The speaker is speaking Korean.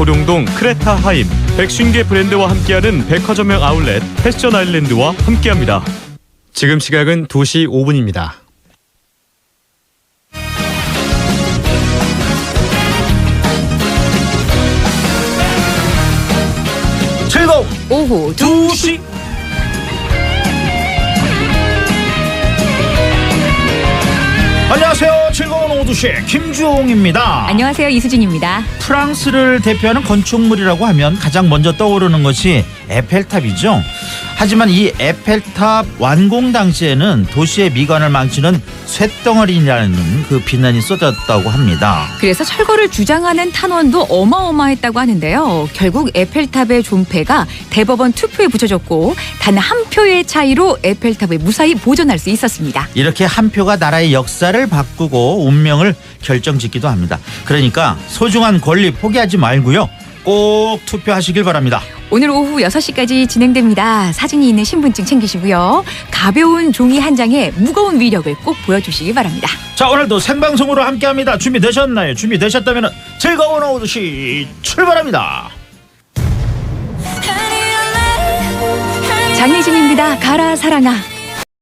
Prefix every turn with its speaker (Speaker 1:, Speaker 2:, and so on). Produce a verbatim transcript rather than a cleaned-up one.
Speaker 1: 도룡동 크레타 하임, 백쉰 개 브랜드와 함께하는 백화점형 아울렛 패션 아일랜드와 함께합니다. 지금 시각은 두 시 오 분입니다.
Speaker 2: 즐거운
Speaker 3: 오후
Speaker 2: 두 시. 안녕하세요. 즐거운 오후 두 시 김주홍입니다.
Speaker 3: 안녕하세요. 이수진입니다.
Speaker 2: 프랑스를 대표하는 건축물이라고 하면 가장 먼저 떠오르는 것이 에펠탑이죠. 하지만 이 에펠탑 완공 당시에는 도시의 미관을 망치는 쇳덩어리라는 그 비난이 쏟았다고 합니다.
Speaker 3: 그래서 철거를 주장하는 탄원도 어마어마했다고 하는데요. 결국 에펠탑의 존폐가 대법원 투표에 붙여졌고 단 한 표의 차이로 에펠탑을 무사히 보존할 수 있었습니다.
Speaker 2: 이렇게 한 표가 나라의 역사를 바꾸고 운명을 결정짓기도 합니다. 그러니까 소중한 권리 포기하지 말고요. 꼭 투표하시길 바랍니다.
Speaker 3: 오늘 오후 여섯 시까지 진행됩니다. 사진이 있는 신분증 챙기시고요. 가벼운 종이 한 장에 무거운 위력을 꼭 보여주시기 바랍니다.
Speaker 2: 자, 오늘도 생방송으로 함께합니다. 준비되셨나요? 준비되셨다면 즐거운 오후 두 시 출발합니다.
Speaker 3: 장혜진입니다. 가라 사랑아.